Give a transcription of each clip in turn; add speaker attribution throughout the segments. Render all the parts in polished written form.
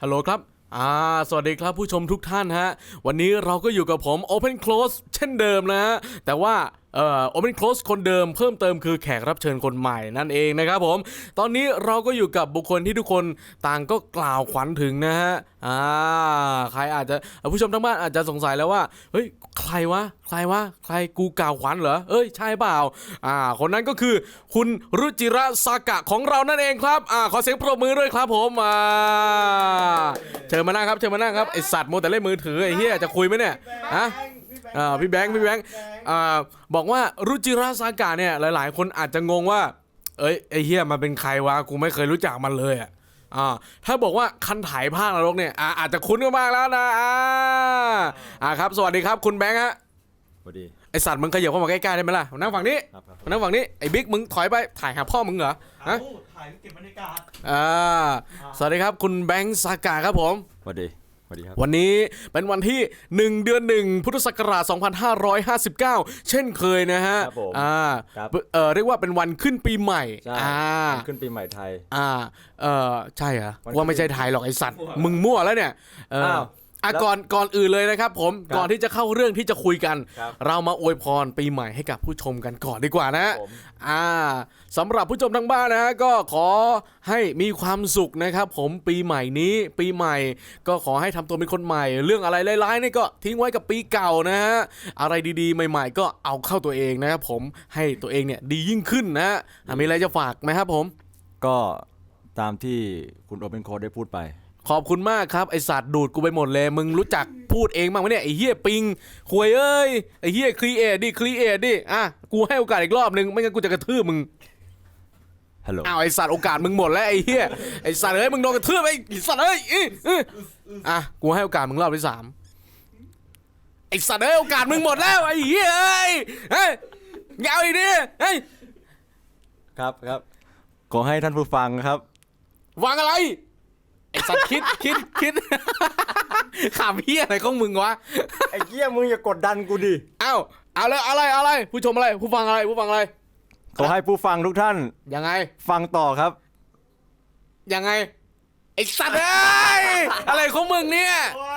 Speaker 1: ฮัลโหลครับสวัสดีครับผู้ชมทุกท่านฮะวันนี้เราก็อยู่กับผม Open Close เช่นเดิมนะฮะแต่ว่าOpen Close คนเดิมเพิ่มเติมคือแขกรับเชิญคนใหม่นั่นเองนะครับผมตอนนี้เราก็อยู่กับบุคคลที่ทุกคนต่างก็กล่าวขวัญถึงนะฮะใครอาจจะผู้ชมทั้งบ้านอาจจะสงสัยแล้วว่าเฮ้ยใครวะใครกูกล่าวขวัญเหรอใช่เปล่าคนนั้นก็คือคุณรุจิระซากะของเรานั่นเองครับขอเสียงปรบมือด้วยครับผมเชิญมานั่งครับไอสัตว์โมแต่เล่นมือถือไอเหี้ยจะคุยไหมเนี่ยพี่แบงค์บอกว่ารุจิระซากะเนี่ยหลายๆคนอาจจะงงว่าไอเหี้ยมันเป็นใครวะกูไม่เคยรู้จักมันเลยถ้าบอกว่าคันถ่ายภาคนรกเนี่ยอาจจะคุ้นกันมากแล้วนะครับสวัสดีครับคุณแบงค์ฮะ
Speaker 2: สวัสดี
Speaker 1: ไอสัตว์มึงขยับเข้ามาใกล้ๆได้ไหมล่ะนั่งฝั่งนี้นั่งฝั่งนี้ไอบิ๊กมึงถอยไปถ่ายหาพ่อมึงเหรอ
Speaker 3: ถ่ายเก็บบรรยากาศ
Speaker 1: สวัสดีครับคุณแบงค์ซากะครับผม
Speaker 2: สวัสดีครับ
Speaker 1: วันนี้เป็นวันที่1 เดือน 1พุทธศักราช2559เช่นเคยนะฮะเรียกว่าเป็นวันขึ้นปีใหม่
Speaker 2: ขึ้นปีใหม่ไทย
Speaker 1: ใช่เหรอว่าไม่ใช่ไทยหรอกไอสัตว์มึงมั่วแล้วเนี่ยก่อนอื่นเลยนะครับผมก่อนที่จะเข้าเรื่องที่จะคุยกันเรามาอวยพรปีใหม่ให้กับผู้ชมกันก่อนดีกว่านะสำหรับผู้ชมทางบ้านนะก็ขอให้มีความสุขนะครับผมปีใหม่นี้ปีใหม่ก็ขอให้ทำตัวเป็นคนใหม่เรื่องอะไรร้ายๆนี่ก็ทิ้งไว้กับปีเก่านะฮะอะไรดีๆใหม่ๆก็เอาเข้าตัวเองนะครับผมให้ตัวเองเนี่ยดียิ่งขึ้นนะมีอะไรจะฝากไหมครับผม
Speaker 2: ก็ตามที่คุณโอเปนโค้ดได้พูดไป
Speaker 1: ขอบคุณมากครับไอสัตว์ดูดกูไปหมดเลยมึงรู้จักพูดเองบ้างไหมเนี่ยไอเฮียปิงควยไอเฮียครีเอทดิกูให้โอกาสอีกรอบนึงไม่งั้นกูจะกระทืบมึง
Speaker 2: ฮัลโหล
Speaker 1: ไอสัตว์โอกาสมึงหมดแล้วไอเฮียไอสัตว์มึงโดนกระทืบไอสัตว์กูให้โอกาสมึงรอบที่3ไอสัตว์โอกาสมึงหมดแล้วไอเฮียเงาอีกดิ
Speaker 2: ครับขอให้ท่านผู้ฟังครับ
Speaker 1: วางอะไรไอสัตว์คิดขำเฮียอะไรของมึงวะ
Speaker 2: ไอ้เหี้ยมึงอย่ากดดันกูดิ
Speaker 1: เอาเลยอะไรผู้ชมอะไรผู้ฟังอะไร
Speaker 2: ขอให้ผู้ฟังทุกท่าน
Speaker 1: ยังไง
Speaker 2: ฟังต่อครับ
Speaker 1: ยังไงไอสัตว์อะไรของมึงเนี่ย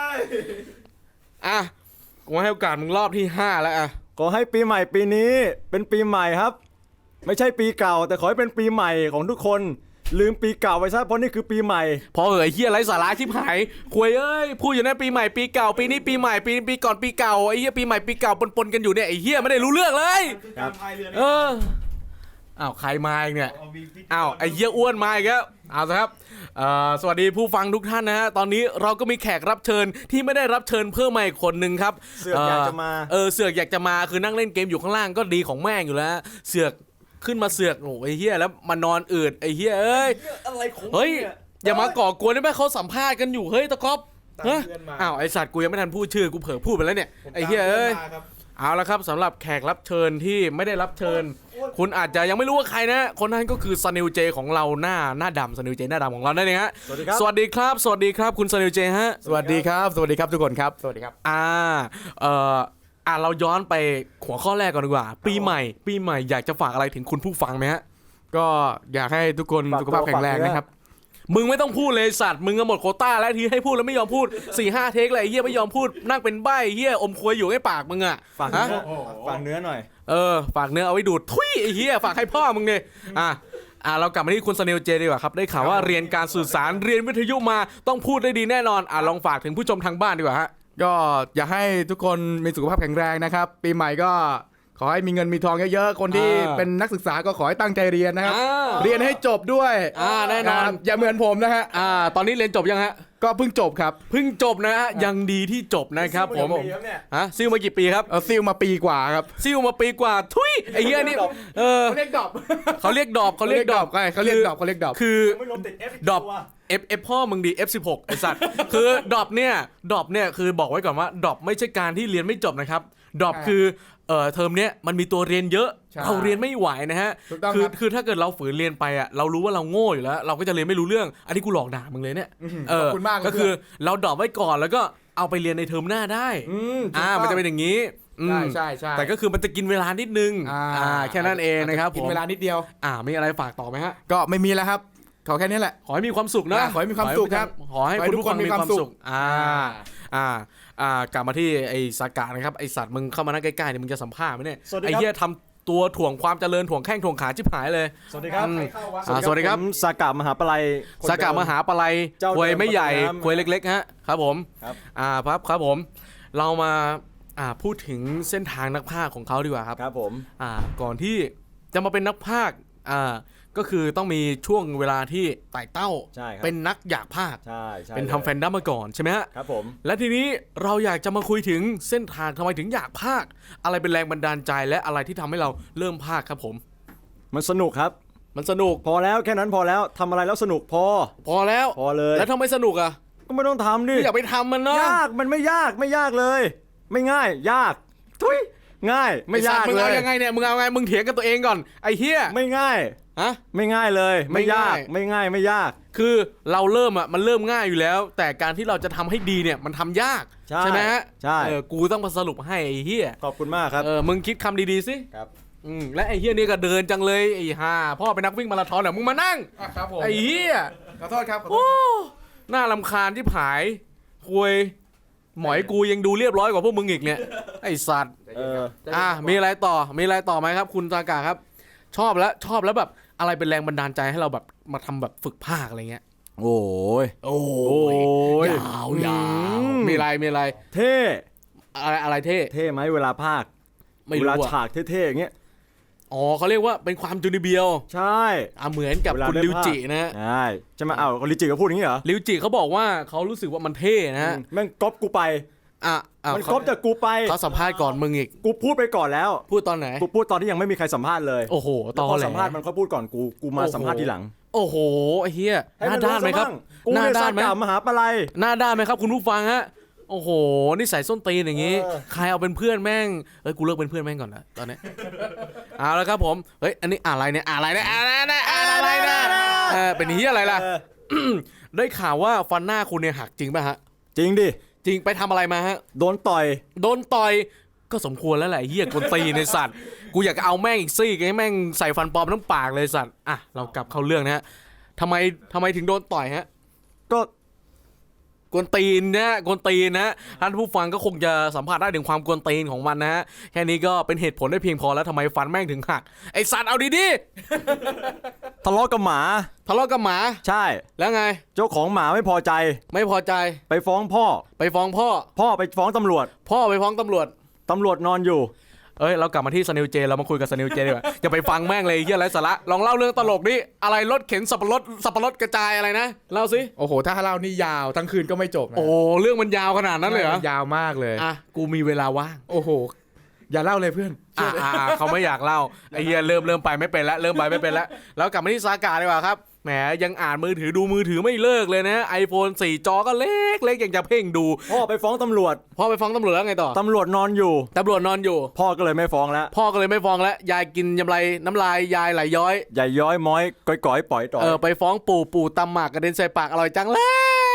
Speaker 1: กูให้โอกาสมึงรอบที่5แล้ว
Speaker 2: ขอให้ปีใหม่ปีนี้เป็นปีใหม่ครับไม่ใช่ปีเก่าแต่ขอให้เป็นปีใหม่ของทุกคนลืมปีเก่าไปซะเพราะนี่คือปีใหม่
Speaker 1: พอเฮียไรสาระชิบหายควยพูดอยู่นะปีใหม่ปีเก่าปีนี้ปีใหม่ปีก่อนปีเก่าไอ้เฮียปีใหม่ปีเก่าปนกันอยู่เนี่ยไอ้เฮียไม่ได้รู้เรื่องเลยใครมาอีกเนี่ยไอ้เฮียอ้วนมาอีกแล้วเอาละครับสวัสดีผู้ฟังทุกท่านนะฮะตอนนี้เราก็มีแขกรับเชิญที่ไม่ได้รับเชิญเพิ่มมาอีกคนนึงครับ
Speaker 2: เสือกอยากจะมา
Speaker 1: เสือกอยากจะมาคือนั่งเล่นเกมอยู่ข้างล่างก็ดีของแม่งอยู่แล้วเสือกขึ้นมาเสือกไอ้เหี้ยแล้วมานอนอืดไอ้เหี้ย
Speaker 3: อะไรของ
Speaker 1: เฮ้ยอย่ามาก่อกวนได้ไหมเขาสัมภาษณ์กันอยู่เฮ้ยตะก๊อบไอสัตว์กูยังไม่ทันพูดชื่อกูเผลอพูดไปแล้วเนี่ยไอ้เหี้ยเอาละครับสำหรับแขกรับเชิญที่ไม่ได้รับเชิญคุณอาจจะยังไม่รู้ว่าใครนะคนนั้นก็คือซันนิวเจของเราหน้าดำซันนิวเจหน้าดำของเราได้เลยฮะสวัสดีครับคุณซันนิวเจฮะ
Speaker 3: สวัสดีครับทุกคนครับสวัสดีครับ
Speaker 1: เราย้อนไปหัวข้อแรกก่อนดีกว่าปีใหม่อยากจะฝากอะไรถึงคุณผู้ฟังไหมฮะ
Speaker 3: ก็อยากให้ทุกคนสุขภาพแข็งแรงนะครับ
Speaker 1: มึงไม่ต้องพูดเลยสัตว์มึงก็หมดโควต้าแล้วทีให้พูดแล้วไม่ยอมพูด 4-5 เทคเลยไอ้เหี้ยไม่ยอมพูดนั่งเป็นใบ้เหี้ยอมควยอยู่ให้ปากมึง
Speaker 2: ฝากเนื้อหน่อย
Speaker 1: ฝากเนื้อเอาไว้ดูดทุยไอ้เหี้ยฝากให้พ่อมึงเนี่ยเรากลับมาที่คุณสเนลเจดีกว่าครับได้ข่าวว่าเรียนการสื่อสารเรียนวิทยุมาต้องพูดได้ดีแน่นอนลองฝากถึงผู้ชมทางบ้านดีกว่าฮะ
Speaker 3: ก็อยากให้ทุกคนมีสุขภาพแข็งแรงนะครับปีใหม่ก็ขอให้มีเงินมีทองเยอะๆคนที่เป็นนักศึกษาก็ขอให้ตั้งใจเรียนนะครับเรียนให้จบด้วย
Speaker 1: แน่นอน
Speaker 3: อย่าเหมือนผมนะฮะ
Speaker 1: ตอนนี้เรียนจบยังฮะ
Speaker 3: ก็เพิ่งจบครับ
Speaker 1: เพิ่งจบนะฮะยังดีที่จบนะครับผมซิ่วมากี่ปีครับ
Speaker 3: ซิ่วมาปีกว่าครับ
Speaker 1: ซิ่วมาปีกว่าทุยไอ้เหี้ยนี่
Speaker 3: เขาเรียกดอบ
Speaker 1: คือดอบF พ่อมึงดี F16 ไอสัตว์คือดรอปเนี่ยคือบอกไว้ก่อนว่าดรอปไม่ใช่การที่เรียนไม่จบนะครับดรอปคือเทอมเนี้ยมันมีตัวเรียนเยอะเราเรียนไม่ไหวนะฮะคือถ้าเกิดเราฝืนเรียนไปเรารู้ว่าเราโง่อยู่แล้วเราก็จะเรียนไม่รู้เรื่องอันนี้กูหลอกด่ามึงเลยเนี่ยก็คือเราดรอปไว้ก่อนแล้วก็เอาไปเรียนในเทอมหน้าได้มันจะเป็นอย่างนี้
Speaker 3: ใช่
Speaker 1: แต่ก็คือมันจะกินเวลานิดนึงแค่นั้นเองนะครับ
Speaker 3: กินเวลานิดเดียว
Speaker 1: มีอะไรฝากต่อไหมฮะ
Speaker 3: ก็ไม่มีแล้วครับขอแค่นี้แหละ
Speaker 1: ขอให้มีความสุขนะ
Speaker 3: ขอให้มีความสุขครับ
Speaker 1: ขอให้
Speaker 3: ขอให้
Speaker 1: คุณ
Speaker 3: ทุก
Speaker 1: ผู้ฟัง
Speaker 3: คนมี
Speaker 1: มีความ
Speaker 3: ความสุ
Speaker 1: สุข
Speaker 3: ข
Speaker 1: กลับมาที่ไอ้สากะนะครับไอ้สัตว์มึงเข้ามานั่งใกล้ๆเนี่ยมึงจะสัมภาษณ์ไหมเนี่ย
Speaker 2: สวัสดี
Speaker 1: ไอ้
Speaker 2: ครับ
Speaker 1: เหี้ยทำตัวถ่วงความเจริญถ่วงแข้งถ่วงขาชิบหายเลย
Speaker 2: สวัสดีครับ
Speaker 1: สวัสดีครับ
Speaker 2: ผมสากามหาปลัยคน
Speaker 1: สากะมหาปลัย
Speaker 2: เจ้าเดิม
Speaker 1: ควยไม่ใหญ่
Speaker 2: ประตูน้ำ
Speaker 1: ควยเล็กๆฮะครับผม
Speaker 2: ครับ
Speaker 1: ครับผมเรามาพูดถึงเส้นทางนักพากย์ของเขาดีกว่าครับ
Speaker 2: ครับผม
Speaker 1: ก่อนที่จะมาเป็นนักพากย์ก็คือต้องมีช่วงเวลาที่ไต่เต้า
Speaker 2: ใช่ครับ
Speaker 1: เป็นนักอยากพากย์
Speaker 2: ใช่
Speaker 1: เป็นทำแฟนดัมมาก่อนใช่ไหมฮะ
Speaker 2: ครับผม
Speaker 1: และทีนี้เราอยากจะมาคุยถึงเส้นทางทำไมถึงอยากพากย์อะไรเป็นแรงบันดาลใจและอะไรที่ทำให้เราเริ่มพากย์ครับผม
Speaker 2: มันสนุกครับ
Speaker 1: มันสนุก
Speaker 2: พอแล้วแค่นั้นพอแล้วทำอะไรแล้วสนุกพอ
Speaker 1: แล้ว
Speaker 2: พอเลย
Speaker 1: แล้วทำไมสนุกอ่ะ
Speaker 2: ก็ไม่ต้องทำดิ
Speaker 1: อยากไปทำมันเนาะ
Speaker 2: ยากมันไม่ยากเลย ไม่ง่ายยากทุยง่ายไม่ยาก
Speaker 1: มึง
Speaker 2: เล
Speaker 1: เอา
Speaker 2: ย
Speaker 1: ยังไงเนี่ยมึงเอาไงมึงเถียงกับตัวเองก่อนไอ้เฮีย
Speaker 2: ไม่ง่าย
Speaker 1: ฮะ
Speaker 2: ไม่ง่ายเลย ไม่ยาก
Speaker 1: ไม่
Speaker 2: ไม่
Speaker 1: ง่าย
Speaker 2: ง่ายไม่ยาก
Speaker 1: คือเราเริ่มมันเริ่มง่ายอยู่แล้ว แต่การที่เราจะทำให้ดีเนี่ยมันทำยาก
Speaker 2: ใช่
Speaker 1: ไหมฮะ
Speaker 2: ใช่
Speaker 1: กูต้องมาสรุปให้ไอ้เฮีย
Speaker 2: ขอบคุณมากครับ
Speaker 1: มึงคิดคำดีๆสิ
Speaker 2: ครับ
Speaker 1: และไอ้เฮียนี่ก็เดินจังเลยไอ้ห่าพ่อเป็นนักวิ่งมาราธอนเหรอมึงมานั่ง
Speaker 3: ครับผม
Speaker 1: ไอ้เฮีย
Speaker 3: ขอโทษครับ
Speaker 1: โอ้น่ารำคาญที่ผายคุยหมอยกูยังดูเรียบร้อยกว่าพวกมึงอีกเนี่ยไอ้สัตว์ มีอะไรต่อไหมครับ คุณซากะครับ ชอบแล้วแบบอะไรเป็นแรงบันดาลใจให้เราแบบมาทำแบบฝึกภาคอะไรเงี้ย
Speaker 2: โอ้ย
Speaker 1: โอ้ยยาวมีอะไร
Speaker 2: เท่
Speaker 1: อะไรเท่
Speaker 2: เท่ไหมเวลาภาค
Speaker 1: ไม่
Speaker 2: เว
Speaker 1: รู้
Speaker 2: ลา
Speaker 1: อะ
Speaker 2: ฉากเท่ๆอย่างเงี้ย
Speaker 1: อ๋อเขาเรียกว่าเป็นความจูนิเบียว
Speaker 2: ใช่
Speaker 1: เหมือนกับ
Speaker 2: เวลา
Speaker 1: คุณ
Speaker 2: ได้
Speaker 1: ริวจิ
Speaker 2: ภาค
Speaker 1: นะฮะ
Speaker 2: ใช่ใช่ไหมอ้าวลิจิก็พูดอย่างนี้เหรอ
Speaker 1: ริวจิเขาบอกว่าเขารู้สึกว่ามันเท่นะฮะ
Speaker 2: แม่งก๊อปกูไป มันก๊อปจากกูไป
Speaker 1: เขาสัมภาษณ์ก่อนมึงอีก
Speaker 2: กูพูดไปก่อนแล้ว
Speaker 1: พูดตอนไหน
Speaker 2: กูพูดตอนที่ยังไม่มีใครสัมภาษณ์เลย
Speaker 1: โอ้โหต
Speaker 2: แล้ว
Speaker 1: อ
Speaker 2: พอ
Speaker 1: แหล
Speaker 2: สัมภาษณ์มันก็พูดก่อนกูมาสัมภาษณ์ทีหลัง
Speaker 1: โอ้โหไอ้เฮียหน้าด้านไหมครับ
Speaker 2: กู
Speaker 1: หน้า
Speaker 2: เนี่ย
Speaker 1: ด้า
Speaker 2: สาน
Speaker 1: ไหม
Speaker 2: กามหาปลัย
Speaker 1: หน้าด้านไหมครับคุณผู้ฟังฮะโอ้โหนี่ใส่ส้นตีนอย่างงี้ ใครเอาเป็นเพื่อนแม่งกูเลิกเป็นเพื่อนแม่งก่อนนะตอนนี้ เอาแล้วครับผมเฮ้ยอันนี้อะไรเนี่ยเป็นเฮียอะไรล่ะ ได้ข่าวว่าฟันหน้าคุณเนี่ยหักจริงป่ะฮะ
Speaker 2: จริงดิ
Speaker 1: จริงไปทำอะไรมาฮะ
Speaker 2: โดนต่อย
Speaker 1: โดนต่อยก็สมควรแล้วแหละเฮียกวนตีนในสัตว์กูอยากเอาแม่งอีกซี่ให้แม่งใส่ฟันปลอมทั้งปากเลยสัตว์เรากลับเข้าเรื่องนะฮะทำไมถึงโดนต่อยฮะ
Speaker 2: ก็
Speaker 1: กวนตีนนะท่านผู้ฟังก็คงจะสัมผัสได้ถึงความกวนตีนของมันนะฮะแค่นี้ก็เป็นเหตุผลได้เพียงพอแล้วทำไมฟันแม่งถึงหักไอสัตว์เอาดี
Speaker 2: ทะเลาะกับหมา
Speaker 1: ๆทะเลาะกับหมา
Speaker 2: ใช่
Speaker 1: แล้วไง
Speaker 2: เจ้าของหมาไม่พอใจ
Speaker 1: ไม่พอใจ
Speaker 2: ไปฟ้องพ่อ
Speaker 1: ไปฟ้องพ่อ
Speaker 2: พ่อไปฟ้องตำรวจ
Speaker 1: พ่อไปฟ้องตำรวจ
Speaker 2: ตำรวจนอนอยู่
Speaker 1: เรากลับมาที่สนิวเจเรามาคุยกับสนิวเจดีกว่าอย่าไปฟังแม่งเลยเฮียไรสาระลองเล่าเรื่องตลกดิอะไรรถเข็นสับปะรดกระจายอะไรนะเล่าสิ
Speaker 3: โอ้โหถ้าเล่านี่ยาวทั้งคืนก็ไม่จบนะ
Speaker 1: โอ้เรื่องมันยาวขนาดนั้นเลยเหรอย
Speaker 3: าวมากเลย
Speaker 1: กูมีเวลาว่าง
Speaker 3: โอ้โหอย่าเล่าเลยเพื่อน
Speaker 1: เขาไม่อยากเล่าไอ้เฮียเริ่มไปไม่เป็นแล้วแล้วกลับมาที่ซากาดีกว่าครับแหมยังอ่านมือถือดูมือถือไม่เลิกเลยนะ iPhone 4 จอก็เล็กอย่างจะเพ่งดู
Speaker 2: พ่อไปฟ้องตำรวจ
Speaker 1: พ่อไปฟ้องตำรวจแล้วไงต่อ
Speaker 2: ตำรวจนอนอยู่
Speaker 1: ตำรวจนอนอยู่
Speaker 2: พ่อก็เลยไม่ฟ้องแล้ว
Speaker 1: พ่อก็เลยไม่ฟ้องแล้วยายกินน้ำลายยายไหลย้อย
Speaker 2: ใหญ่ย้อยม้อยก้อยๆปล่อยต่อย
Speaker 1: ไปฟ้องปู่ตำหมากกระเด็นใส่ปากอร่อยจังเลย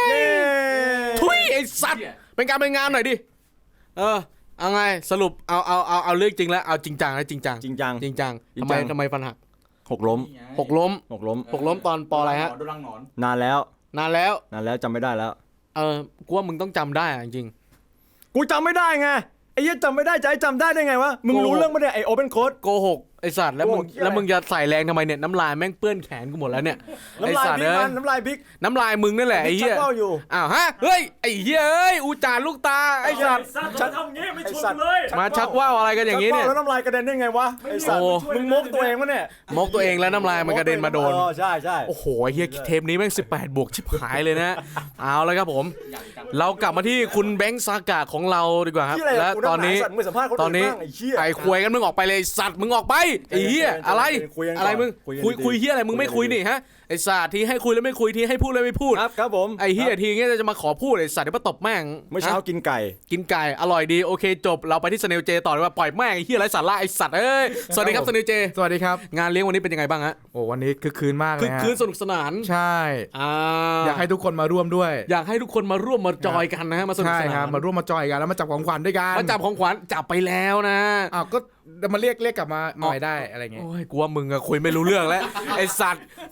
Speaker 2: เย้
Speaker 1: ทุยไอ้สัตว์เป็นการเป็นงานหน่อยดิเอาไงสรุปเอาเรื่องจริงแล้วเอาจริงจังนะจริงจัง
Speaker 2: จริงจัง
Speaker 1: ทำไมฟันหัก
Speaker 2: หกล้ม
Speaker 1: หกล้ม
Speaker 2: หกล้ม
Speaker 1: ตอนปออะไรฮะ
Speaker 3: โดนรังหนอน
Speaker 2: นานแล้ว
Speaker 1: นานแล้ว
Speaker 2: จำไม่ได้แล้ว
Speaker 1: กูว่ามึงต้องจำได้จริง
Speaker 2: กูจำไม่ได้ไงไอ้เหี้ยจำไม่ได้จะให้จำได้ได้ไงวะมึงรู้เรื่องไม่ได้ไอ้โอเปนโค้ด
Speaker 1: โกหกไอสัตว์แล้วมึง
Speaker 2: โกหกเหี้ยอะไร
Speaker 1: แล้วมึงจะใส่แรงทำไมเนี่ยน้ำลายแม่งเปื้อนแขนกูหมดแล้วเนี่ยไอ
Speaker 2: น้ำลาย
Speaker 1: สัตว์
Speaker 2: บิ๊ก
Speaker 1: เอ้
Speaker 2: มั
Speaker 1: ย
Speaker 2: นน้ำลายบิ๊ก
Speaker 1: น้ำลายมึงนั่นแหละไอ้เหี้ย
Speaker 2: ชักว่าวอยู่
Speaker 1: อ้าวฮะเฮ้ยไอ้เหี้ยเอ้ยอูจานลูกตาไอ้สัตว์
Speaker 2: ฉันทำงี้ไม่ชวนเลย
Speaker 1: มาชักว่าวอะไรกันอย่าง
Speaker 2: นี้
Speaker 1: นี้
Speaker 2: เนี่
Speaker 1: เนี่ย ย
Speaker 2: แล้วน้ำลายกระเด็นได้ไงวะไอ้สัตว์
Speaker 1: โอ้
Speaker 2: มึงมกตัวเองวะเนี่ย
Speaker 1: มกตัวเองแล้วน้ำลายมันกระเด็นมาโดน
Speaker 2: ใช่
Speaker 1: โอ้โหไอ้เหี้ยเทปนี้แม่ง18 บวกชิบหายเลยนะ เอาเลยครับผม เรากลับมาที่คุณแบงค์ซากะของเราดีกว่าครับ
Speaker 2: ที่อะไร
Speaker 1: และ
Speaker 2: กู
Speaker 1: ตอนนี้
Speaker 2: สัตว์มึงสัมภาษณ์คน
Speaker 1: ตอนนี้
Speaker 2: อื่นบ้างไอ้เหี้ย
Speaker 1: ไอ้ควยกันมึงออกไปเลยไอ้สัตว์มึงออกไปไอ้เหี้ยอะไร
Speaker 2: คุยกันก่อน
Speaker 1: อะไรมึง
Speaker 2: คุยกันดีๆ
Speaker 1: คุยเหี้ยอะไรมึงไม่คุยนี่ฮะไอ้สัตว์ที่ให้คุยแล้วไม่คุยที่ให้พูดแล้วไม่พูด
Speaker 2: ครับผม
Speaker 1: ไอ้เหี้ยทีเงี้ยจะมาขอพูดไอ้สัตว์เดี๋ยวมาตบแม่ง
Speaker 2: เมื่อเช้า
Speaker 1: ฮะ
Speaker 2: กินไก่
Speaker 1: กินไก่อร่อยดีโอเคจบเราไปที่สเนลเจต่อเลยว่าปล่อยแม่งไอ้เหี้ยไรสาระไอ้สัตว์เอ้ยสวัสดีครับสเนลเจ
Speaker 3: สวัสดีครับ
Speaker 1: งานเลี้ยงวันนี้เป็นยังไงบ้างฮะ
Speaker 3: โอ้วันนี้คือคืนมากเล
Speaker 1: คือย
Speaker 3: ฮะ
Speaker 1: คืนสนุกสนาน
Speaker 3: ใช่ อยากให้ทุกคนมาร่วมด้วย
Speaker 1: อยากให้ทุกคนมาร่วมมาจอยกันนะฮะมาสนุก
Speaker 3: ใช่
Speaker 1: ส
Speaker 3: ครั
Speaker 1: นา
Speaker 3: บ
Speaker 1: น
Speaker 3: มาร่วมมาจอยกันแล้วมาจับของขวัญด้วยกัน
Speaker 1: มาจับของขวัญจับไปแล้วนะ
Speaker 3: อ้าวก็มาเรียกกลับมาหน่อยได้อะไรเงี้ย
Speaker 1: โอ้ยกูว่ามึงอะคุยไม่รู้เรื่องแล้ว ไอสัตว์คุยเลี้ยง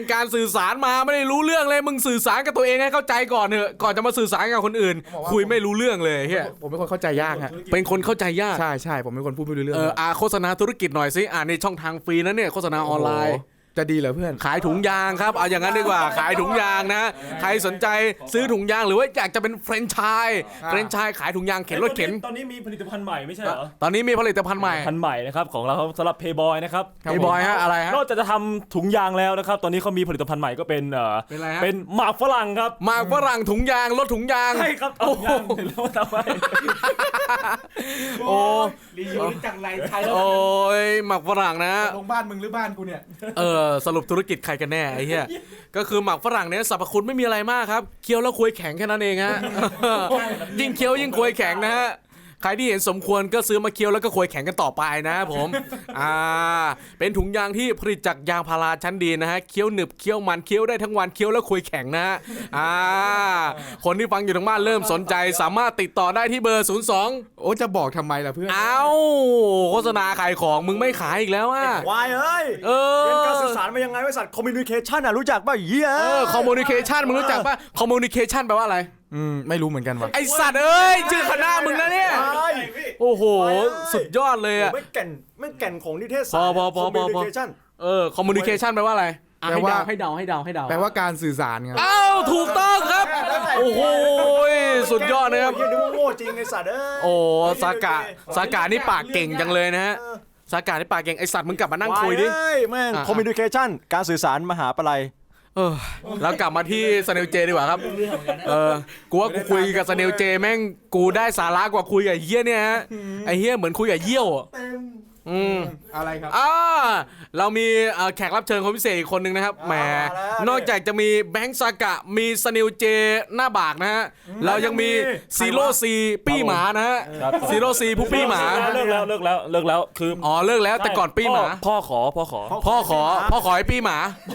Speaker 1: การสื่อสารมาไม่ได้รู้เรื่องเลยมึงสื่อสารกับตัวเองให้เข้าใจก่อนเถอะก่อนจะมาสื่อสารกับคนอื่น คุยไม่รู้เรื่องเลยเฮีย
Speaker 3: ผมเป็นคนเข้าใจยากฮะ
Speaker 1: เป็นคนเข้าใจยาก
Speaker 3: ใช่ผมเป็นคนพูดไม่รู้เรื่อง
Speaker 1: โฆษณาธุรกิจหน่อยสิในช่องทางฟรีนะเนี่ยโฆษณาออนไลน์
Speaker 3: โโหจะดีเหรอเพื่อน
Speaker 1: ขายถุงยางครับเอาอย่างนั้นดีกว่าขายถุงยางนะใครสนใจซื้อถุงยางหรือว่าอยากจะเป็นแฟรนไชส์ขายถุงยางเข็นรถเข็น
Speaker 4: ตอนนี้มีผลิตภัณฑ์ใหม่ไม่ใช่เหรอ
Speaker 1: ตอนนี้มีผลิตภัณฑ์ใหม่
Speaker 4: พันธุ์ใหม่นะครับของเราสำหรับเพย์บอยนะครับ
Speaker 1: ไอ้บอยฮะอะไรฮะ
Speaker 4: นอกจากจะทำถุงยางแล้วนะครับตอนนี้เขามีผลิตภัณฑ์ใหม่ก็เป็น
Speaker 1: เป็นอะไรฮะ
Speaker 4: เป็นหมากฝรั่งครับ
Speaker 1: หมากฝรั่งถุงยางรถถุงยาง
Speaker 4: ใช่ครับถุงยางแล้วทำไม
Speaker 1: โอ้
Speaker 3: รีวิวจังไรใคร
Speaker 1: โอ้ยหมากฝรั่งนะ
Speaker 3: ลงบ้านมึงหรือบ้านกูเนี่ย
Speaker 1: สรุปธุรกิจใครกันแน่ไอ้เหี้ยก็คือหมากฝรั่งเนี่ยสรรพคุณไม่มีอะไรมากครับเคี้ยวแล้วคุยแข็งแค่นั้นเองฮะ ยิ่งเคี้ยวยิ่งคุยแข็งนะฮะใครที่เห็นสมควรก็ซื้อมาเคี้ยวแล้วก็คุยแข็งกันต่อไปนะผมเป็นถุงยางที่ผลิตจากยางพาราชั้นดีนะฮะเคี้ยวหนึบเคี้ยวมันเคี้ยวได้ทั้งวันเคี้ยวแล้วคุยแข็งนะคนที่ฟังอยู่ทางบ้านเริ่มสนใจสามารถติดต่อได้ที่เบอร์02
Speaker 3: โอ้จะบอกทำไมล่ะเพื่อน
Speaker 1: โฆษณาขายของมึงไม่ขายอีกแล้วอ่ะ
Speaker 2: วายเอ้ยเป็นการสื่อสารมายังไงบริษัทคอมมิวนิเคชันรู้จักป่ะเหี้ย
Speaker 1: คอมมูนิเคชันมึงรู้จักป่ะคอมมูนิเคชันแปลว่าอะไร
Speaker 3: ไม่รู้เหมือนกันว่ะ
Speaker 1: ไอสัตว์เอ้ยชื่อคณะมึงนะเนี่ย โอ้โห สุดยอดเลยอ่ะ
Speaker 2: ไม่แก่นของนิเทศ
Speaker 1: พ
Speaker 2: ศา
Speaker 1: อ
Speaker 2: สตร์
Speaker 1: พอ
Speaker 2: คอมมิวนิเคชัน
Speaker 1: คอมมูนิเคชันแปลว่าอะไร
Speaker 3: แปลว่า
Speaker 1: ให้เดา
Speaker 3: แปลว่าการสื่อสารครับ
Speaker 1: อ้าวถูกต้องครับ โอ้โหสุดยอดนะครับ
Speaker 2: เหี้ยนึกว่าโง่จริงไอ้สัตว์เอ้ย
Speaker 1: โอ้สากานี่ปากเก่งจังเลยนะฮะสากานี่ปากเก่งไอสัตว์มึงกลับมานั่งคุยดิ
Speaker 2: วายแม่งคอมมิวนิเคชันการสื่อสารมหาปลัย
Speaker 1: แล้วกลับมาที่สเนลเจดีกว่าครับกูว่ากูคุยกับสเนลเจแม่งกูได้สาระกว่าคุยกับเฮียเนี่ยฮะไอเฮียเหมือนคุยกับเยี่ยว
Speaker 3: อะไรครับ
Speaker 1: เรามีแขกรับเชิญคนพิเศษอีกคนนึงนะครับแหมนอกจากจะมีแบงค์ซากะมีสเนลเจหน้าบากนะฮะเรายังมีซีโร่ซีปี้หมานะฮะซีโร่ซีผู้ปี้หมา
Speaker 4: เลิกแล้วคือ
Speaker 1: เลิกแล้วแต่ก่อนปี้หมา
Speaker 4: พ่อขอ
Speaker 1: พ่อขอให้ปี้หมา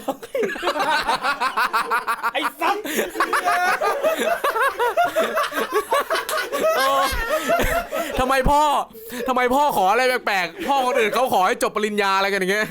Speaker 4: ไอ้สัส
Speaker 1: ทำไมพ่อขออะไรแปลกๆพ่อคนอื่นเขาขอให้จบปริญญาอะไรกันอย่างเงี้ย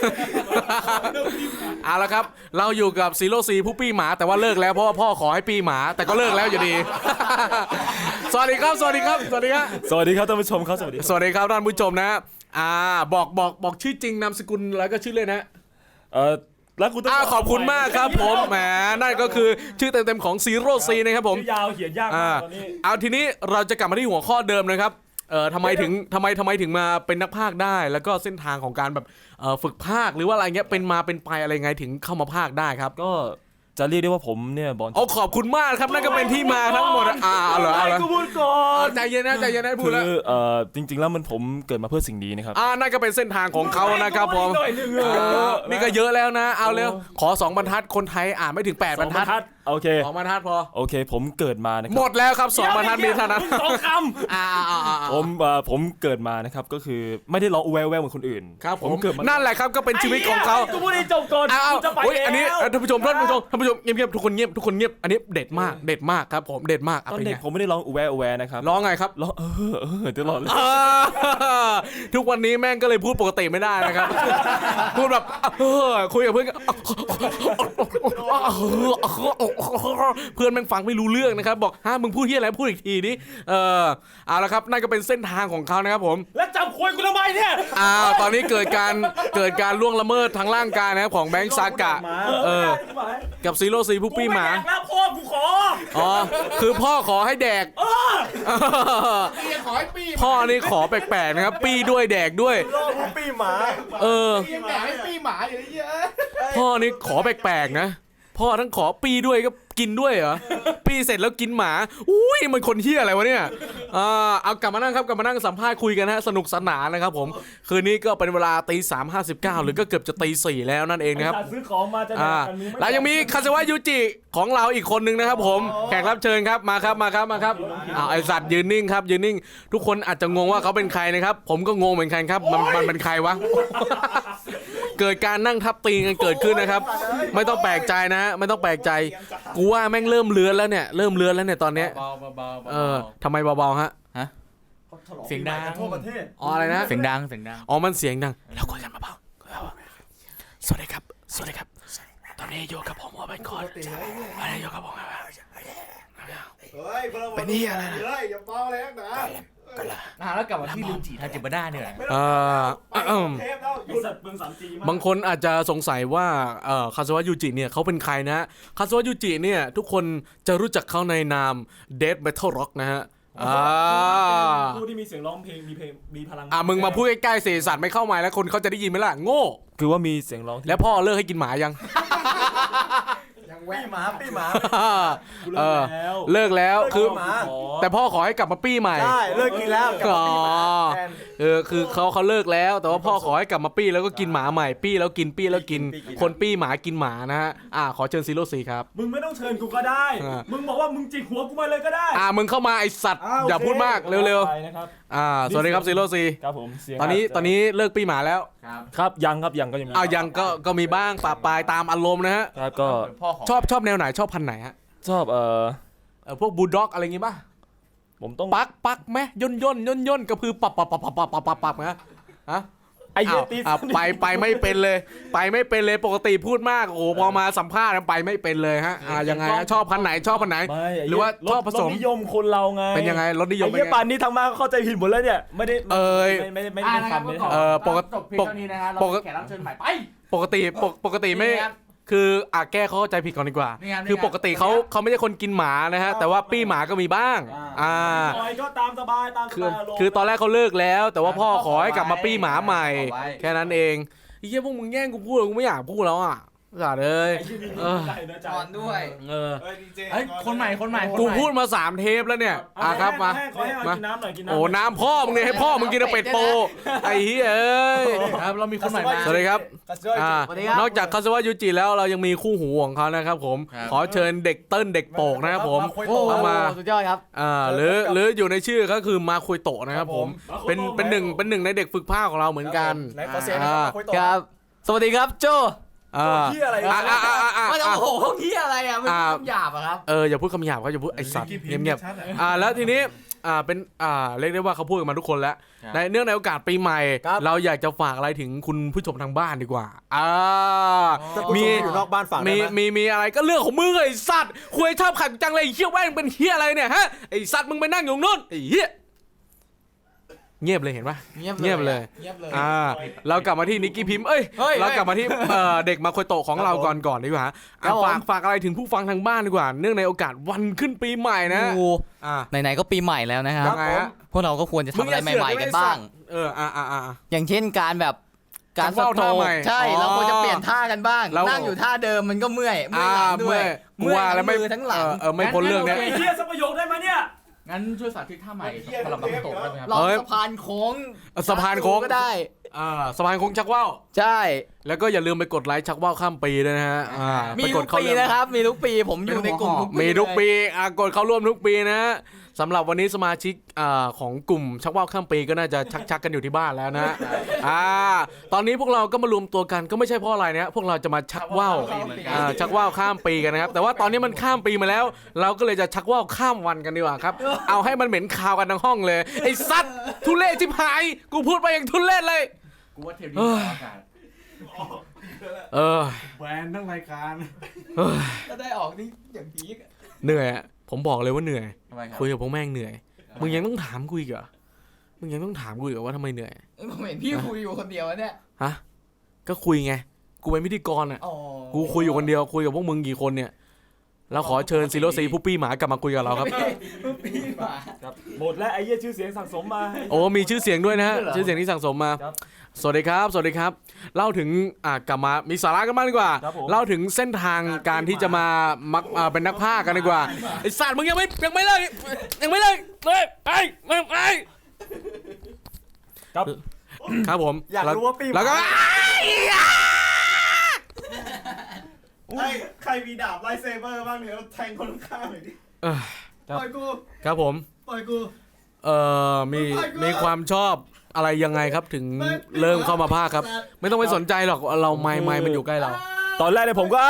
Speaker 1: เอาละครับเราอยู่กับซีโร่ซีผู้ปี้หมาแต่ว่าเลิกแล้วเพราะว่าพ่อขอให้ปี้หมาแต่ก็เลิกแล้วอยู่ดี สวัสดีครับท่านผู้ชมครับสวัสดีครับท่านผู้ชมนะบอกชื่อจริงนามสกุลแล้วก็ชื่อเล่นนะ
Speaker 4: แล้วกูต้อง
Speaker 1: ขอบคุณมากครับผมแหมนั่นก็คือชื่อเต็มๆของซีโร่ซีนะครับผม
Speaker 4: ยาวเขียนยากมากตอนนี้
Speaker 1: เอาทีนี้เราจะกลับมาที่หัวข้อเดิมนะครับทำไมถึงมาเป็นนักพากย์ได้แล้วก็เส้นทางของการแบบฝึกพากย์หรือว่าอะไรเงี้ยเป็นมาเป็นไปอะไรไงถึงเข้ามาพากย์ได้ครับ
Speaker 4: ก็จะเรียกได้ว่าผมเนี่ยบอล
Speaker 1: ขอบคุณมากครับนั่นก็เป็นที่มาทั้งหมดเอาเหรอ
Speaker 4: กูพูดก่อน
Speaker 1: ใจเย็นนะพูดแล้ว
Speaker 4: จริงๆแล้วมันผมเกิดมาเพื่อสิ่งนี้นะครับ
Speaker 1: นั่นก็เป็นเส้นทางของเขานะครับผมนี่ก็เยอะแล้วนะเอาเร็วขอ2บรรทัดคนไทยอ่านไม่ถึง8บรรทัด
Speaker 4: โอเค
Speaker 1: 2บรรทัดพอ
Speaker 4: โอเคผมเกิดมานะครับ
Speaker 1: หมดแล้วครับ2บรรทัดมีเท่านั้น
Speaker 4: 2คำผมเกิดมานะครับก็คือไม่ได้ร้องแววเหมือนคนอื่น
Speaker 1: ครับผมเกิดมานั่นแหละครับก็เป็นชีวิตของเขา
Speaker 4: กูพูดให้จบก่อนจะไปแล้ว
Speaker 1: อันนี้ท่านผู้ชมเงียบทุกคนเงียบอันนี้เด็ดมากครับผมเด็ดมาก
Speaker 4: ตอนเด็กผมไม่ได้ร้องแววนะครับ
Speaker 1: ร้องไงครับ
Speaker 4: ร้องตลอดเลย
Speaker 1: ทุกวันนี้แม่งก็เลยพูดปกติไม่ได้นะครับพูดแบบคุยกับเพื่อนเพื่อนแม่งฟังไม่รู้เรื่องนะครับบอกมึงพูดที่อะไรพูดอีกทีดิเอาละครับนั่นก็เป็นเส้นทางของเขานะครับผม
Speaker 4: แล้วจับควยกูทำไมเนี่ย
Speaker 1: ตอนนี้เกิดการล่วงละเมิดทางร่างกายนะครับของแบงค์ซากะกับซีโร่ซีผู้ปี้หมา
Speaker 4: พ่อกูขอ
Speaker 1: คือพ่อขอให้แดก
Speaker 3: ขอให้ปี้
Speaker 1: พ่อนี่ขอแปลกๆนะครับปี้ด้วยแดกด้วย
Speaker 2: ปี้หมา
Speaker 3: ให้ปี้หมาอย่างเงี้ย
Speaker 1: พ่อนี่ขอแปลกๆนะพ่อทั้งขอปี้ด้วยก็กินด้วยเหรอปี้เสร็จแล้วกินหมาอุ้ยมันคนเหี้ยอะไรวะเนี่ยเอากลับมานั่งครับกลับมานั่งสัมภาษณ์คุยกันฮะสนุกสนานนะครับผมคืนนี้ก็เป็นเวลา3:59หรือก็เกือบจะ4:00แล้วนั่นเองนะครับ
Speaker 4: ซื้อของมาจะ
Speaker 1: แล้วยังมีคาซาวะยูจิของเราอีกคนนึงนะครับผมแขกรับเชิญครับมาครับไอสัตว์ยืนนิ่งครับยืนนิ่งทุกคนอาจจะงงว่าเขาเป็นใครนะครับผมก็งงเหมือนกันครับมันเป็นใครวะเกิดการนั่งทับตีกันเกิดขึ้นนะครับไม่ต้องแปลกใจนะไม่ต้องแปลกใจกูว่าแม่งเริ่มเลือนแล้วเนี่ยตอนเนี้ยทำไมเบาๆฮะ
Speaker 5: เสียงดัง
Speaker 1: อะไรนะ
Speaker 5: เสียงดัง
Speaker 1: มันเสียงดังแล้วคุยกันเบาๆสวัสดีครับตอนนี้อยู่กับผมว่าเป็นคนวันนี้อยู่กับผม
Speaker 3: เป็นนี่อะไรนะ
Speaker 5: แล้วกลับมาที่ลิวจิทาจิบะด้าเนี่ย
Speaker 1: บางคนอาจจะสงสัยว่าคาซาวะยูจิเนี่ยเขาเป็นใครนะคาซาวะยูจิเนี่ยทุกคนจะรู้จักเขาในนาม Death Metal Rock นะฮะ
Speaker 4: ผู้ที่มีเสียงร้องเพลงมีพลัง
Speaker 1: มึงมาพูดใกล้ๆเสียสัตว์ไม่เข้าไมค์แล้วคนเขาจะได้ยินไหมล่ะโง่
Speaker 4: คือว่ามีเสียงร้องที่
Speaker 1: แล้วพ่อเลิกให้กินหมายัง
Speaker 2: ปี้หมา
Speaker 1: เลิกแล้วคือ
Speaker 2: หมา
Speaker 1: แต่พ่อขอให้กลับมาปี้ใหม่
Speaker 2: ใช่เลิกกินแล้วกลับมาปี้หมาแทน
Speaker 1: คือเขาเลิกแล้วแต่ว่าพ่อขอให้กลับมาปี้แล้วก็กินหมาใหม่ปี้แล้วกินปี้แล้วกิน
Speaker 2: ปี้
Speaker 1: คนปี้หมากินหมานะฮะขอเชิญซีครับ
Speaker 4: มึงไม่ต้องเชิญกูก็ได้ มึงบอกว่ามึงจิกหัวกูมาเลยก็ได้
Speaker 1: มึงเข้ามาไอสัตว์อย่าพูดมากเร็ว
Speaker 4: ไปนะครับ
Speaker 1: ๆสวัสดีครับซี
Speaker 4: ครับผมเสียง
Speaker 1: ตอนนี้เลิกปี้หมาแล้ว
Speaker 4: ครับยังก็ยังมี
Speaker 1: ยังก็มีบ้างปะปายตามอารมณ์นะฮะ
Speaker 4: ครับก็
Speaker 1: ชอบแนวไหนชอบพันธุ์ไหนฮะ
Speaker 4: ชอบ
Speaker 1: พวกบูลด็อกอะไรงี้ป่ะ
Speaker 4: ผมต้อง
Speaker 1: ปักไหมย่นกระพือปับนะฮะ
Speaker 4: ไอ้เหี้ยตี
Speaker 1: ไปไม่เป็นเลยไปไม่เป็นเลยปกติพูดมากโอ้พอมาสัมภาษณ์ไปไม่เป็นเลยฮะยังไงฮะชอบพันธุ์ไหนหรือว่าชอบผสม
Speaker 4: รสนิยมคนเราไง
Speaker 1: เป็นยังไงรสนิยม
Speaker 4: ไอ้
Speaker 1: เป็น
Speaker 4: เหี้ย
Speaker 1: ไง
Speaker 4: ป่านนี้ทางมาเข้าใจผิดหมดแล้วเนี่ยไม่ได้ไม่ได้ทำไม่ได้ทำ
Speaker 1: ปกติ
Speaker 5: จบเพียงเท่านี้นะฮะเราแขกรับเชิญใหม่ไป
Speaker 1: ปกติไม่
Speaker 5: นี่ครับ
Speaker 1: คือแก้เขาเข้าใจผิดก่อนดีกว่า
Speaker 5: นี่ครับ
Speaker 1: คือปกติเขาไม่ใช่คนกินหมานะฮะแต่ว่าปี้หมาก็มีบ้าง
Speaker 4: ปล่อยก็ตามสบายอารมณ์
Speaker 1: คือตอนแรกเขาเลิกแล้ว แต่ว่าพ่อขอให้กลับมาปี้หมาใหม่ แค่นั้นเองไอ้เหี้ยพวกมึงแย่งกูพูดกูไม่อยากพูดแล้วอ่ะสัตว์เอ้ย
Speaker 5: จอนด้วย
Speaker 2: เฮ้ย
Speaker 5: คนใหม่
Speaker 1: กูพูดมา3เทปแล้วเนี่ยครับมา
Speaker 4: ขอให้กินน้ำหน่อยกินน้ำ
Speaker 1: โอ้น้ำพ่อมึงเนี่ยให้พ่อมึงกินเป็ดโปไอ้เหี้ยเอ้ย
Speaker 5: ครับเรามีคนใหม่มา
Speaker 1: สวัสดีครับ
Speaker 5: สวัสดีครับ
Speaker 1: นอกจากคาซาวะยูจิแล้วเรายังมีคู่หูของเขานะครับผม
Speaker 5: ครับ
Speaker 1: ขอเชิญเด็กเติ้ลเด็กโปกนะครับผม
Speaker 5: โอ้โห
Speaker 1: เข้ามา
Speaker 5: สุดยอดครับ
Speaker 1: หรืออยู่ในชื่อก็คือมาคุยโตะนะครับผมเป็นหนึ่งในเด็กฝึกภาคของเราเหมือนกัน
Speaker 2: ไหนขอเสียงหน่อยครับคุยต่อ
Speaker 5: ครับ สวัสดีครับโจ
Speaker 2: เหี้ยอะไรวะ
Speaker 5: ไม่โอ้โหเฮียอะไรอ่ะมันคำหยาบอะครับ
Speaker 1: อย่าพูดคำหยาบเขาอย่าพูดไอสัตว์เงียบๆแล้วทีนี้เป็นเรียกได้ว่าเขาพูดกันมาทุกคนแล้ว
Speaker 5: ครับ
Speaker 1: ในเนื่องในโอกาสปีใหม่
Speaker 2: ครับ
Speaker 1: เราอยากจะฝากอะไรถึงคุณผู้ชมทางบ้านดีกว่ามี
Speaker 2: อยู่นอกบ้านฝากได้ไหม
Speaker 1: มีอะไรก็เรื่องของมึงไอสัตว์คุยชอบขัดจังเลยไอ้เหี้ยแว่งเป็นเหี้ยอะไรเนี่ยฮะไอสัตว์มึงไปนั่งอยู่นู่นไอเหี้ยเงียบเลยเห็นปะ เงียบเลย เรากลับมาที่นิกกี้พิมพ์เรากลับมาที่เด็กมาโคยโตะของเราก่อนดีกว่า
Speaker 5: ครับผม
Speaker 1: ฝากอะไรถึงผู้ฟังทางบ้านดีกว่า เนื่องในโอกาสวันขึ้นปีใหม่นะ
Speaker 6: โอ้
Speaker 1: อ่า
Speaker 6: ไหนๆก็ปีใหม่แล้วนะครับ
Speaker 1: ยังไงฮะ
Speaker 6: พวกเราก็ควรจะทำอะไรใหม่ๆกันบ้าง อย่างเช่นการแบบการ
Speaker 1: ชักว่าวท่าใหม่
Speaker 6: ใช่
Speaker 1: อ๋อ
Speaker 6: เราควรจะเปลี่ยนท่ากันบ้าง
Speaker 1: เรานั่
Speaker 6: นั่งอยู่ท่าเดิมมันก็เมื่อยหลังด้วย
Speaker 1: กูว่าแล้วไม่
Speaker 6: มือทั้งหลัง
Speaker 1: ไม่พ้นเรื่องเนี้ย
Speaker 4: ไอ้เหี้ยสักประโยคได้ไหมเนี่ย
Speaker 5: งั้นช่วยสาธิตท่าใหม่สำหรับนักโตะได้ไหมครับ
Speaker 6: เรา
Speaker 1: เอ้ย
Speaker 6: สะพานโค้ง
Speaker 1: สะพานโค้ง
Speaker 6: ก็ได้
Speaker 1: สะพานโค้งชักว่าว
Speaker 6: ใช่
Speaker 1: แล้วก็อย่าลืมไปกดไลค์ชักว่าวข้ามปีด้วยนะฮะ
Speaker 6: มีทุ
Speaker 1: ไปกด
Speaker 6: ก
Speaker 1: เข้า
Speaker 6: ปี
Speaker 1: เรื่อง
Speaker 6: นะครับ มีทุกปีผมอยู่ในกลุ่มทุกปี
Speaker 1: มีทุกปี
Speaker 6: เลย
Speaker 1: กดเข้าร่วมทุกปีนะฮะสำหรับวันนี้สมาชิกของกลุ่มชักว่าวข้ามปีก็น่าจะชักกันอยู่ที่บ้านแล้วนะตอนนี้พวกเราก็มารวมตัวกันก็ไม่ใช่เพราะอะไรนะพวกเราจะมาชักว่าวชักว่าวข้ามปีกันนะครับแต่ว่าตอนนี้มันข้ามปีมาแล้ว เราก็เลยจะชักว่าวข้ามวันกันดีกว่าครับ เอาให้มันเหม็นคาวกันทั้งห้องเลยไอ้สัตว์ทุเรศชิบหายกูพูดไปอย่างทุเรศเลย
Speaker 5: กูว่าเทปนี้ออกอากาศ
Speaker 2: แบรนด์ทั้งรายการ
Speaker 5: ก็ได้ออกนี่อย่างพีก
Speaker 1: เหนื่อยอะผมบอกเลยว่าเหนื่อย
Speaker 5: ทำไมครับ
Speaker 1: คุยกับพวกแม่งเหนื่อยมึงยังต้องถามกูอีกเหรอมึงยังต้องถามกูอีกเหรอว่าทำไมเหนื่อย
Speaker 6: ผมเห็นพี่คุยอยู่คนเดียวเนี่ย
Speaker 1: ฮะก็คุยไงกูเป็นพิธีกรอ่ะ
Speaker 6: อ๋อ
Speaker 1: กูคุยอยู่คนเดียวคุยกับพวกมึงกี่คนเนี่ยเราขอเชิญซีโรซีผู้ปี้หมากลับมาคุยกับเราครับ
Speaker 6: พี่หมา
Speaker 4: ครับหมดแล้วไอ้เหี้ยชื่อเสียงสั่งสมมา
Speaker 1: โอ้มีชื่อเสียงด้วยนะฮะ
Speaker 6: เหรอ
Speaker 1: ชื่อเสียงที่สั่งสมมา
Speaker 4: ครับ
Speaker 1: สวัสดีครับสวัสดีครับเล่าถึงกลับมามีสาระกันบ้างดีกว่า
Speaker 4: ครับผม
Speaker 1: เล่าถึงเส้นทางการที่จะมามักเป็นนักพากย์กันดีกว่าไอ้สัตว์มึงยังไม่เลยไป
Speaker 4: ครับ
Speaker 1: ครับผม
Speaker 2: อยากรู้ว่าปี้หมา
Speaker 1: แล้วก็
Speaker 2: ใครมีดาบไลท์เซเบอร์บ้างเนี่ยแทงคนข้างหน่อยดิ
Speaker 1: ครับ
Speaker 2: ปล่อยกู
Speaker 1: ครับผม
Speaker 2: ปล่อยกู
Speaker 1: มีความชอบอะไรยังไงครับถึงเริ่มเข้ามาพากย์ครับ ไม่ต้องไปสนใจหรอกเราไมค์มันอยู่ใกล้เรา
Speaker 4: ตอนแรกเนี่ยผมก็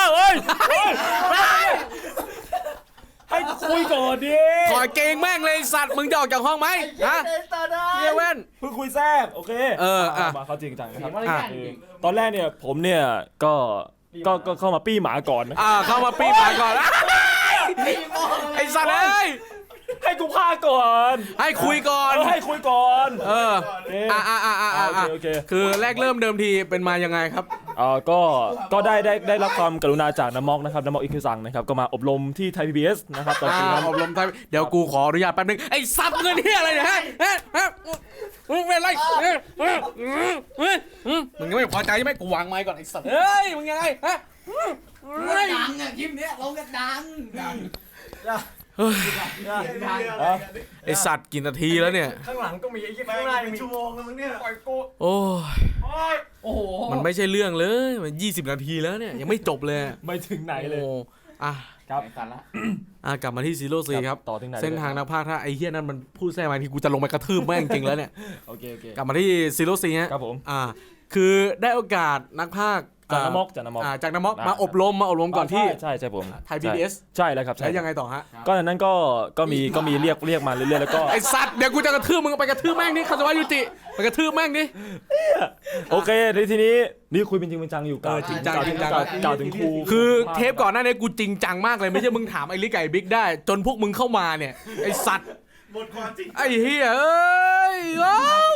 Speaker 4: ให้คุยก่อนดิ
Speaker 1: ถอยเกงแม่งเลยสัตว์มึงจะออกจากห้องไหมฮะเฮียเว้น
Speaker 4: เพิ่งคุยแทรกโอเค
Speaker 1: มา
Speaker 4: มาเข้าจริงจังนะครับ
Speaker 5: มารยาทจริง
Speaker 4: ตอนแรกเนี่ยผมเนี่ยก็ก็เข้ามาปี้หมาก่อนนะ
Speaker 1: เข้ามาปีหมาก่อนไอ้สัตว์เอ้ย
Speaker 4: ให้กูพาก่อน
Speaker 1: ให้คุยก่อน
Speaker 4: ให้คุยก่อน
Speaker 1: โอเคคือแรกเริ่มเดิมทีเป็นมายังไงครับ
Speaker 4: ก็ได้รับความกรุณาจากน้ำมอกนะครับน้ำมอกอิคิวซังนะครับก็มาอบรมที่ไทย PBS นะครับตอนนี้
Speaker 1: อบรมไทยเดี๋ยวกูขออนุญาตแป๊บนึงไอ้ซับเงินเฮียอะไรเนี่ยฮะมึงเป็นไรมึงยังไม่พอใจใช่ไหมกูวางไม้ก่อนไอ้สัตว์เฮ้ยมึงยังไงฮะ
Speaker 5: ดังอ่ะคลิปเนี้ยลงกันดัง
Speaker 1: ไอ้สัตว์กี่นาทีแล้วเนี่ย
Speaker 2: ข้างหลังก็มีไอ้ข้างหน้ายังมีชั่วโมงแล้วมึงเนี่ยปล่อยกู
Speaker 1: โอ้ย
Speaker 5: โอ้โห
Speaker 1: มันไม่ใช่เรื่องเลยมัน20 นาทีแล้วเนี่ยยังไม่จบเลย
Speaker 4: ไม่ถึงไหนเลย
Speaker 1: โอ้อ่ะ
Speaker 4: ครับ
Speaker 1: กลับมาที่ซีโร่ซีครับ
Speaker 4: ต่อถึงไหน
Speaker 1: เส้นทางนักพากย์ถ้าไอ้เฮียนั่นมันพูดแทรกมาทีกูจะลงไปกระทืบแม่งจริงแล้วเนี่ย
Speaker 4: โอเค
Speaker 1: กลับมาที่ซีโร่ซีฮะ
Speaker 4: ครับผม
Speaker 1: คือได้โอกาสนักพากย์
Speaker 4: จากน้ำมอก
Speaker 1: จากน้ำมอกมาอบรมก่อนที่
Speaker 4: ใช่ผม
Speaker 1: ไทย PBS
Speaker 4: ใช่แล้วครับ
Speaker 1: แล้วยังไงต่อฮะ
Speaker 4: ก็อันนั้นก็มีเรียกมาเรื่อยๆแล้วก็
Speaker 1: ไอสัตว์เดี๋ยวกูจะกระทืบมึงไปกระทืบแม่งนี่คาสวะยูจิไปกระทืบแม่งนี่
Speaker 4: โอเคทีนี้นี่คุยเป็นจริงเป็นจังอยู่กล่าว
Speaker 1: จริงจัง
Speaker 4: กล่าวถึงครู
Speaker 1: คือเทปก่อนหน้านี้กูจริงจังมากเลยไม่ใช่มึงถามไอ้ลิกไก่บิ๊กได้ จนพวกมึงเข้ามาเนี่ยไอสัตว์ไอ้เฮียเอ้ยว้าว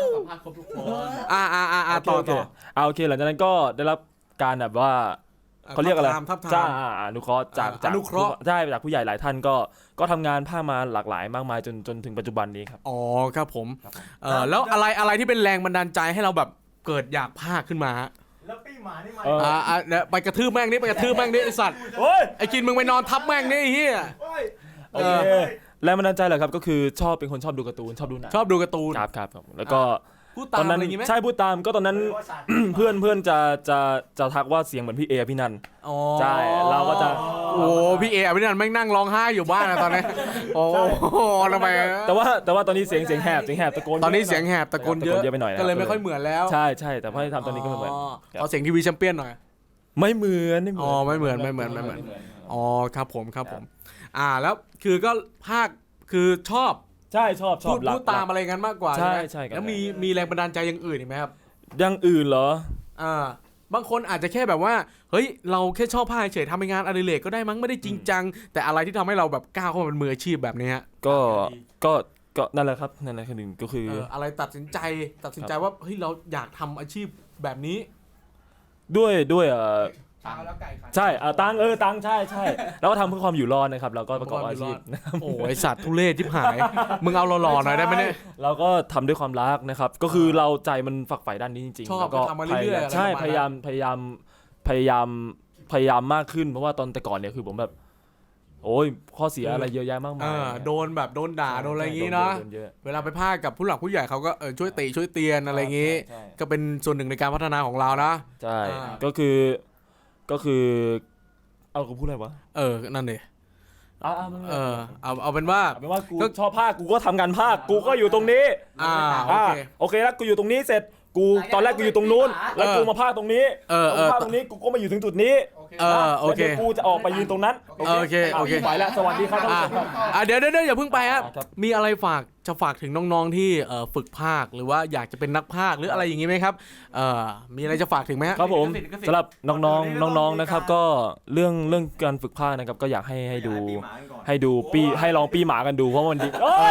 Speaker 1: ต่อ
Speaker 4: โอเคหลังจากนั้นก็ได้รับการแบบว่าเขาเรียกอะไร
Speaker 1: ทับทาม
Speaker 4: จ้าอนุเคราะห์จาก
Speaker 1: อนุเคราะห์
Speaker 4: ใช่จากผู้ใหญ่หลายท่านก็ทำงานภาคมาหลากหลายมากมายจนถึงปัจจุบันนี้ครับ
Speaker 1: อ๋อครับผมแล้วอะไรที่เป็นแรงบันดาลใจให้เราแบบเกิดอยากพากย์ขึ้นมาฮะ
Speaker 2: แล้วปี้หมานี่มา
Speaker 1: เดี๋ยวไปกระทืบแม่งนี่ไปกระทืบแม่งนี่ไอสัตว์
Speaker 4: โอ้ย
Speaker 1: ไอกินมึงไปนอนทับแม่งนี่ไอ้เฮีย
Speaker 4: โอเคแรงบันดาลใจเหรอครับก็คือเป็นคนชอบดูการ์ตูนชอบดูหนัง
Speaker 1: ชอบดูการ์ตูน
Speaker 4: ครับแล้วก็
Speaker 1: พูดตาม
Speaker 4: ตอนนั้น
Speaker 1: อะไรอย่างงี้ไหม
Speaker 4: ใช่พูดตามก็ตอนนั้น เพื่อนจะทักว่าเสียงเหมือนพี่เอพี่นัน
Speaker 1: อ๋อ
Speaker 4: ใช่เราก็จะ
Speaker 1: โอ้พี่เออภินันท์แม่งนั่งร้องไห้อยู่บ้านนะตอนนี้โอ้โหทำไม
Speaker 4: แต่ว่าตอนนี้เสียงแหบตะโกน
Speaker 1: ตอนนี้เสียงแหบตะโกนเยอะ
Speaker 4: ไปหน่อยนะ
Speaker 1: ก็เลยไม่ค่อยเหมือนแล้ว
Speaker 4: ใช่แต่พอให้ทำตอนนี้ก็ไม่เหมือน
Speaker 1: เอาเสียงทีวีแชมเปี้ยนหน่อย
Speaker 4: ไม่เหมือน
Speaker 1: อ๋อไม่เหมือนอ๋อครับผมแล้วคือก็ภาคคือชอบ
Speaker 4: ใช่ชอบ
Speaker 1: พูดตามอะไรกันมากกว่า
Speaker 4: ใช่
Speaker 1: ไหม
Speaker 4: ใช่ครับ
Speaker 1: แล้วมีแรงบันดาลใจอย่างอื่นอีกไหมครับ
Speaker 4: อย่างอื่นเหรอ
Speaker 1: บางคนอาจจะแค่แบบว่าเฮ้ยเราแค่ชอบภาคเฉยทำเป็นงานอดิเรกก็ได้มั้งไม่ได้จริงจังแต่อะไรที่ทำให้เราแบบก้าวเข้ามาเป็นมืออาชีพแบบนี้ฮะ
Speaker 4: ก็นั่นแหละครับนั่นแหละคือหนึ่งก็คือ
Speaker 1: อะไรตัดสินใจว่าเฮ้ยเราอยากทำอาชีพแบบนี้
Speaker 4: ด้วย
Speaker 5: ตังแล้วไก่ขัน
Speaker 4: ใช่ตังใช่แล้วก็ทำเพื่อความอยู่รอดนะครับเราก็ประกอบอาชีพ
Speaker 1: โอ้ไอสัตว์ทุเรศทิบหาย มึงเอาหล่อๆหน่อยได้ไหมเนี่ย
Speaker 4: เราก็ทำด้วยความรักนะครับก็คือเราใจมันฝักใฝ่ด้านนี้จริงๆ
Speaker 1: ชอบ
Speaker 4: แล้วก็
Speaker 1: ทำมาเรื่อยๆ
Speaker 4: ใช่
Speaker 1: อะไรประมาณนั้น
Speaker 4: พยายามมากขึ้นเพราะว่าตอนแต่ก่อนเนี่ยคือผมแบบโอ้ยข้อเสียอะไรเยอะแยะมากมาย
Speaker 1: โดนด่าโดนอะไรอย่างงี้เนาะ
Speaker 4: โดเยอะ
Speaker 1: เวลาไปพากกับผู้หลักผู้ใหญ่เขาก็ช่วยติช่วยเตียนอะไรอย่างงี้
Speaker 4: ใช่
Speaker 1: ก็เป็นส่วนหนึ่งในการพัฒนาของเรานะ
Speaker 4: ใช่
Speaker 1: อ่า
Speaker 4: ก็คือเอากูพูดอะไรวะ
Speaker 1: นั่นดิ
Speaker 4: มัน
Speaker 1: เอาเป็นว่า
Speaker 4: เอาเป็นว่ากูชอบภาคกูก็ทำงานภาคกูก็อยู่ตรงนี้ โอเคแล้วกูอยู่ตรงนี้เสร็จกูตอนแรกกูอยู่ตรงนู้นแล้วกูมาภาคตรงนี้กูภาคตรงนี้กูก็มาอยู่ถึงจุดนี้
Speaker 1: โอเค
Speaker 4: แล้วดี๋ยวกูจะออกไปยืนตรงนั้น
Speaker 1: โอเค
Speaker 4: ไปแล้วสวัสดีครับท่านผู้ชมครับ
Speaker 1: เดี๋ยวอย่าเพิ่งไปครับ
Speaker 4: ครับ
Speaker 1: มีอะไรจะฝากถึงน้องๆที่ฝึกภาคหรือว่าอยากจะเป็นนักภาคหรืออะไรอย่างงี้ไหมครับมีอะไรจะฝากถึงไหมฮะ
Speaker 4: ครับผมสำหรับน้องๆนะครับก็เรื่องการฝึกภาคนะครับก็อยากให้ดูให้ลองปี้หมากันดูเพราะมันดี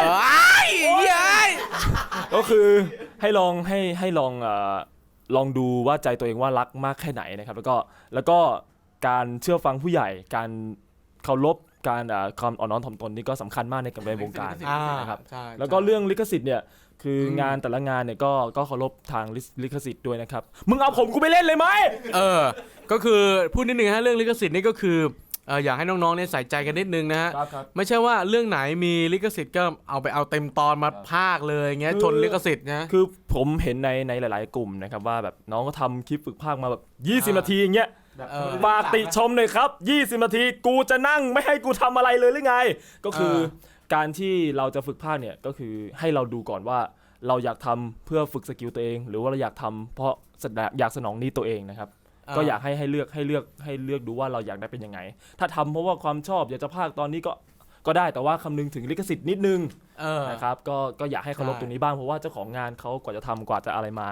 Speaker 4: ก็คือให้ลองดูว่าใจตัวเองว่ารักมากแค่ไหนนะครับแล้วก็การเชื่อฟังผู้ใหญ่การเคารพการความอ่อนน้อมถ่อมตนนี่ก็สำคัญมากในการในวงการนะครับ
Speaker 1: ใช่
Speaker 4: แล้วก็เรื่องลิขสิทธิ์เนี่ยคืองานแต่ละงานเนี่ยก็เคารพทางลิขสิทธิ์ด้วยนะครับมึงเอาผมกูไปเล่นเลยไหม
Speaker 1: ก็คือพูดนิดนึงฮะเรื่องลิขสิทธิ์นี่ก็คืออยากให้น้องๆเนี่ยใส่ใจกันนิดนึงนะฮะ
Speaker 4: ครับ
Speaker 1: ไม่ใช่ว่าเรื่องไหนมีลิขสิทธิ์ก็เอาเต็มตอนมาพากเลยเงี้ยชนลิขสิทธิ์นะ
Speaker 4: คือผมเห็นในหลายๆกลุ่มนะครับว่าแบบน้องก็ทำคลิปฝึกภาคมาแบบ20 นาทีอย่างเงี้ยฝากติชมหน่อยครับ20 นาทีกูจะนั่งไม่ให้กูทำอะไรเลยหรือไงก็คือการที่เราจะฝึกภาคเนี่ยก็คือให้เราดูก่อนว่าเราอยากทำเพื่อฝึกสกิลตัวเองหรือว่าเราอยากทำเพราะอยากสนองนี้ตัวเองนะครับก็อยากให้เลือกดูว่าเราอยากได้เป็นยังไงถ้าทำเพราะว่าความชอบอยากจะภาคตอนนี้ก็ได้แต่ว่าคำนึงถึงลิขสิทธิ์นิดนึงนะครับก็อยากให้เคารพตรงนี้บ้างเพราะว่าเจ้าของงานเขากว่าจะทำกว่าจะอะไรมา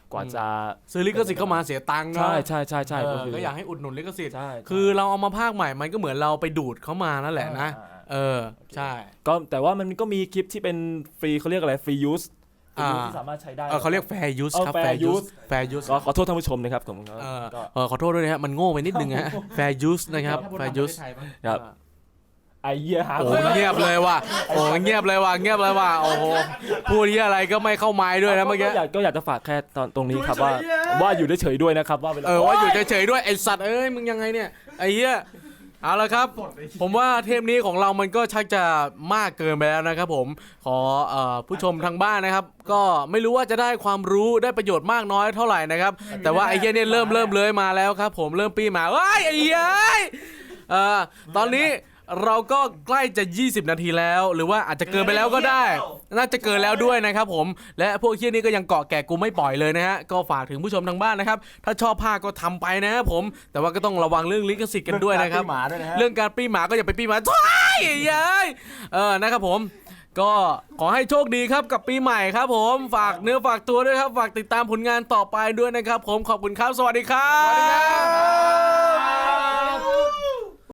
Speaker 4: กว่าจะ
Speaker 1: ซื้อลิขสิทธิ์เข้ามาเสียตังค์เนาะ
Speaker 4: ใช่ใช่ใช่ใช่
Speaker 1: ก็อยากให้อุดหนุนลิขสิทธิ์
Speaker 4: ใช่
Speaker 1: คือเราเอามาภาคใหม่มันก็เหมือนเราไปดูดเขามานั่นแหละนะ ใช่
Speaker 4: ก็แต่ว่ามันก็มีคลิปที่เป็นฟรีเขาเรียกอะไรฟรียูสที่สามารถใช้ได้
Speaker 1: เขาเรียก fair use ครับ fair use fair use
Speaker 4: ก็ขอโทษท่านผู้ชมนะครับผมก็
Speaker 1: ขอโทษด้วยนะฮะมันโง่ไปนิดนึงฮะ fair use นะครับ fair use
Speaker 4: ครับไอ้เหี้ยหา
Speaker 1: โอ้เงียบเลยว่ะโอ้เงียบเลยว่ะเงียบเลยว่ะโอ้โหพูดที่อะไรก็ไม่เข้าไม้ด้วยนะเมื่อกี้
Speaker 4: ก็อยากจะฝากแค่ตรงนี้ครับว่าอยู่เฉยๆด้วยนะครับว่าเวลา
Speaker 1: ว่าอยู่เฉยๆด้วยไอสัตว์เอ้ยมึงยังไงเนี่ยไอ้เหี้ยเอาละครับ ผมว่าเทปนี้ของเรามันก็ชักจะมากเกินไปแล้วนะครับผมขอผู้ชมทางบ้านนะครับ ก็ไม่รู้ว่าจะได้ความรู้ได้ประโยชน์มากน้อยเท่าไหร่นะครับ แต่ว่าไอ้เหี้ยเนี่ยเริ่มเลยมาแล้วครับผมเริ่มปีมาเฮ้ยไอ้เหี้ยตอนนี้เราก็ใกล้จะ20นาทีแล้วหรือว่าอาจจะเกินไปแล้วก็ได้น่าจะเกินแล้วด้วยนะครับผมและพวกเหี้ยนี่ก็ยังเกาะแกะกูไม่ปล่อยเลยนะฮะก็ฝากถึงผู้ชมทางบ้านนะครับถ้าชอบภาคก็ทำไปนะครับผมแต่ว่าก็ต้องระวังเรื่องลิขสิทธิ์กันด้วยนะครับเรื่องการปี้หมาก็อย่าไปปี้หมาท้ายยัยนะครับผมก็ขอให้โชคดีครับกับปีใหม่ครับผมฝากเนื้อฝากตัวด้วยครับฝากติดตามผลงานต่อไปด้วยนะครับผมขอบคุณครับสวัสดีครับ